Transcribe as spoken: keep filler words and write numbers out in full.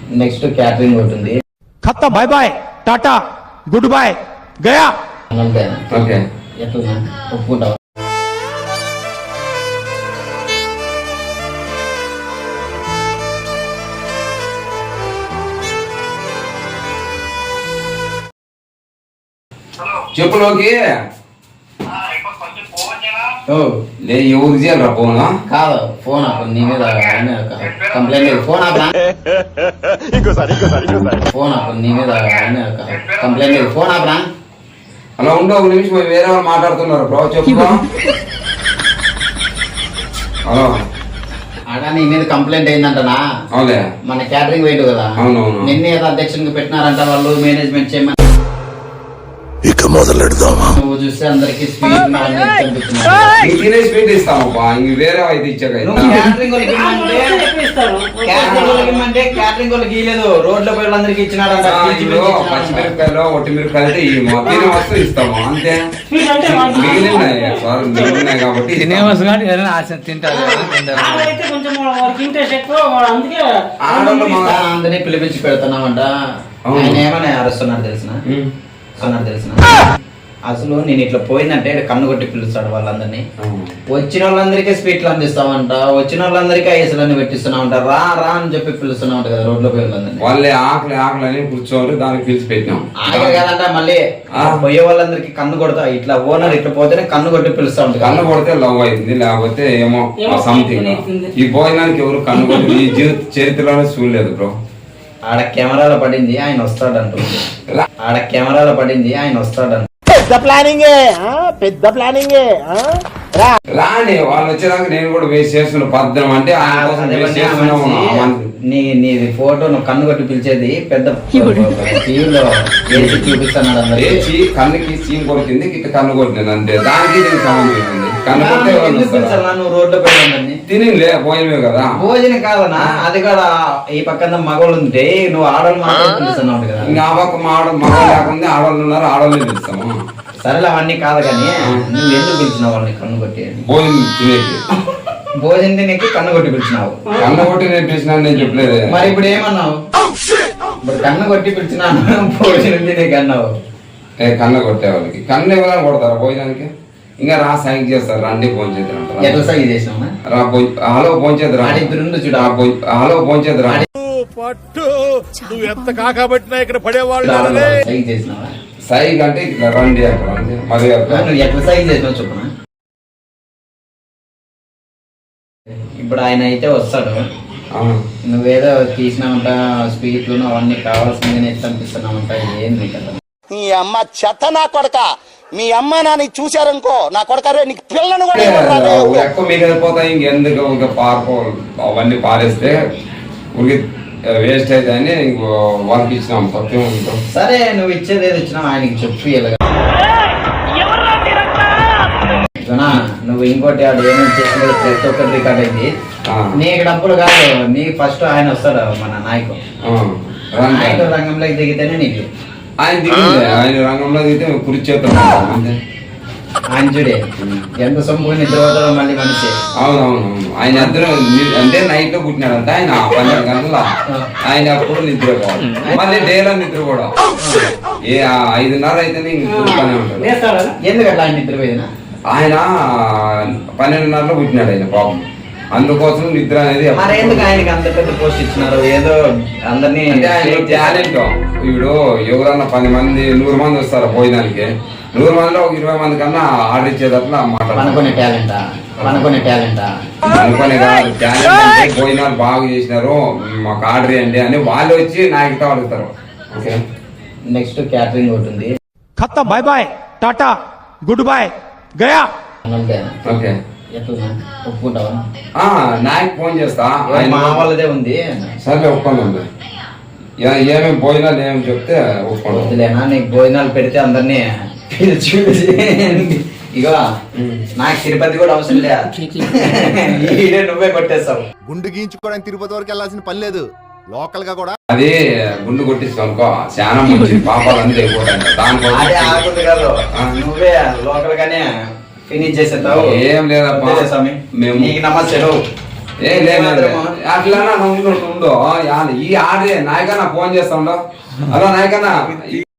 Next catering ఉంటుంది. ఖత్తా bye bye tata good bye గయా. అంతేనా? ఓకే. ఎట్లా ఒప్పుకుంటావా? చెప్పులోకి లే ఎవరు చేయాలరా ఫోన్? కాదు ఫోన్ ఆపు. నీ మీద కంప్లైంట్ ఫోన్ ఆపరా. ఫోన్ ఆపు. నీ మీద కంప్లైంట్ ఫోన్ ఆపరా. అలా ఉండు ఒక నిమిషం, వేరే వాళ్ళు మాట్లాడుతున్నారు బ్రో. చెప్పు. హలో. అడా నీ మీద కంప్లైంట్ అయిందంటనా? అవులే. మన క్యాటరింగ్ వెయిట్ కదా. అవునవును. నిన్న ఏదో అధ్యక్షునికి పెట్టినారంట వాళ్ళు, మేనేజ్మెంట్ చేయమని. ఇక మొదలెడదామా? నువ్వు చూస్తే అందరికి స్వీట్ తినే స్వీట్ ఇస్తామప్పా, ఇంక వేరే అయితే ఇచ్చాక క్యాటరింగ్ వాళ్ళకి ఇమ్మంటే క్యాటరింగ్ వాళ్ళకి ఇవ్వలేదు, రోడ్ల పిల్లలందరికి ఇచ్చినాడంట. పచ్చిమిరపకాయలు ఒట్టి మిరపకాయలు తినే వస్తువు ఇస్తాము అంతే. మిగిలినాయి సార్, మిగిలినాయి కాబట్టి అందరినీ పిలిపించి పెడుతున్నామంట. ఆయన ఏమని అరుస్తున్నారు తెలిసిన అన్నారు తెలిసిన అసలు నేను ఇట్లా పోయిందంటే కన్ను కొట్టి పిలుస్తాడు వాళ్ళందరినీ. వచ్చిన వాళ్ళందరికీ స్వీట్లు అందిస్తామంట, వచ్చిన వాళ్ళందరికీ ఐసులన్నీ పెట్టిస్తున్నామంట, రా రా అని చెప్పి పిలుస్తున్నామంట కదా రోడ్లో పోయి వాళ్ళందరినీ. వాళ్ళే ఆకలి ఆకలి అని కూర్చోవాలి, దానికి పిలిచి పెట్టినాం. ఆకలి కదంట మళ్ళీ పోయే వాళ్ళందరికీ కన్ను కొడతా, ఇట్లా ఓనర్ ఇట్లా పోతేనే కన్ను కొట్టి పిలుస్తా ఉంటారు. కన్ను కొడితే లవ్ అయింది, లేకపోతే ఏమో సంథింగ్. ఈ భోజనానికి ఎవరు కన్ను కొట్టి ఈ జీవిత చరిత్రలోనే చూడలేదు బ్రో. ఆడ కెమెరాలో పడింది, ఆయన వస్తాడంట. ఆడ కెమెరాలో పడింది, ఆయన వస్తాడంట. పెద్ద ప్లానింగ్ పెద్ద ప్లానింగ్ రాని వాళ్ళు వచ్చేదాకా నేను కూడా వేస్ట్ చేస్తున్నా పద్ధతి అంటే నీ నీది ఫోటో నువ్వు కన్ను కొట్టి పిలిచేది పెద్ద టీవీలో వేసి చూపిస్తున్నాడు అందరు. వేసి కన్నుకి సీమ్ కొడుతుంది, ఇట్లా కన్ను కొట్టింది అంతే. దానికి దీనికి సంబంధం ఉంది. కన్ను కొట్టే నువ్వు రోడ్లో పెట్టండి తినిలే భోజనమే కదా. భోజనం కాదనా, అది కూడా ఈ పక్కన మగవాళ్ళు ఉంటే నువ్వు ఆడవాళ్ళు మాత్రం పిలుస్తున్నావు కదా. ఇంకా ఆ పక్క మాడ మగ లేకుండా ఆడవాళ్ళు ఉన్నారు, ఆడవాళ్ళని పిలుస్తాము. సరేలే అవన్నీ కాదు కానీ నువ్వు ఎందుకు పిలిచినావు వాళ్ళని కన్ను కొట్టి? భోజనం తినేకి భోజనం తినేకి కన్ను కొట్టి పిలిచినావు. కన్ను కొట్టి నేను పిలిచినా నేను చెప్పలేదు. మరి ఇప్పుడు ఏమన్నావు? ఇప్పుడు కన్ను కొట్టి పిలిచినాను భోజనం తినేకి అన్నావు. ఏ కన్ను కొట్టే వాళ్ళకి కన్ను ఇవ్వాలని కొడతారా భోజనానికి? ఇంకా రా సైన్ చేస్తారు, రండి ఫోన్ చేద్దరు. ఎట్లా సైన్ చేసినావు? రా హలో ఫోన్ చేద్దరా, చూడ హలో ఫోన్ చేద్దరా. పట్టు నువ్వు ఎంత కాకబట్టినా ఇక్కడ పడేవాళ్ళు సైన్ చేసినావా? సైగ్ అంటే ఇట్లా రండి అక్కడ మరి నువ్వు ఎట్లా సైన్ చేసినావు చెప్పనా? ఇప్పుడు ఆయన అయితే వస్తాడు, నువ్వేదో తీసినామంట స్వీట్లు అవన్నీ కావాల్సింది ఎట్లా అనిపిస్తున్నామంట. ఏంది కదా నీ అమ్మ చెత్త నా కొడక, మీ అమ్మ నాన్న చూశారనుకో నా కొడక నీకు పిల్లను కూడా ఎక్కువ మీకు వెళ్ళిపోతాయి. ఇంకెందుకు ఇంకా పార్పో అవన్నీ పారేస్తే ఉడికి వేస్ట్ అయితే అని ఇంకో వాళ్ళకి ఇచ్చినాం. సత్యం ఉంటాం. సరే నువ్వు ఇచ్చేది ఏది ఇచ్చినావు ఆయనకి చెప్పు. నువ్వు ఇంకోటి వాడు ఏమేమి చేసినది ప్రతి ఒక్కటి రికార్డ్ అయింది. నీకు డబ్బులు కాదు, నీ ఫస్ట్ ఆయన వస్తాడు మన నాయకుడు. నాయకుడు రంగంలోకి దిగితేనే నీకు. ఆయన దిగింది, ఆయన రంగంలో దిగితే కుర్చీ చేస్తాం అంతే. ఆయన చూడే ఎంత సొమ్ము నిద్రపోతాడో మళ్ళీ మనిషి. అవునవును, ఆయన ఇద్దరు అంటే నైట్ లో పుట్టినాడంట. ఆయన పన్నెండు గంటల ఆయన అప్పుడు నిద్రపోవాలి, మళ్ళీ డేలో నిద్ర కూడా ఏ ఐదున్నర అయితేనే ఇంకొనే ఉంటాడు. ఎందుకట్లా ఆయన నిద్రపోయినా? ఆయన పన్నెండున్నరలో పుట్టినాడు ఆయన పాపం, అందుకోసం నిద్ర అనేది. మరి ఎందుకు ఆయనకి అంత పెద్ద పోస్ట్ ఇచ్చినారు? ఏదో అందరినీ టాలెంట్. ఇప్పుడు ఎవరన్నా పది మంది నూరు మంది వస్తారు భోజనానికి, నూరు మందిలో ఒక ఇరవై మంది కన్నా ఆర్డర్ ఇచ్చేటట్లా మాట్లాడుకునే అనుకునే టాలెంటా అనుకునే టాలెంటా అనుకునే కాదు. టాలెంట్ అంటే భోజనాలు బాగా చేసినారు మాకు ఆర్డర్ ఇవ్వండి అని వాళ్ళు వచ్చి నాయకుతో అడుగుతారు. ఓకే. నెక్స్ట్ క్యాటరింగ్ ఉంటుంది. ఖత్తా bye bye tata good bye గయా. ఓకే. ఎట్లా ఒప్పుకుంటావా? నాయకు ఫోన్ చేస్తా, మా వాళ్ళదే ఉంది. సరే ఒప్పుకోండి. ఏమేమి భోజనాలు ఏమేమి చెప్తే ఒప్పుకోండి. లేనా నీకు భోజనాలు పెడితే అందరినీ చూసి ఇగో నాకు తిరుపతి కూడా అవసరం లేదు, నువ్వే కొట్టేస్తావు. గుండు గీయించుకోవడానికి తిరుపతి వరకు వెళ్ళాల్సిన పని లేదు, లోకల్ గా కూడా అది గుండు కొట్టిస్తావు అనుకో చాలా మంచి పాపాలన్నీ అయిపోతాయి. దానికోసం నువ్వే లోకల్ గానే ఫినిష్ చేసేస్తావు. ఏం లేదమ్మా, మేము నీకు నమస్తే. ఏ లేదు అట్లా ఉండు ఉండు ఈ ఆడే నాయకన్నా ఫోన్ చేస్తా ఉండవు అలా నాయకన్నా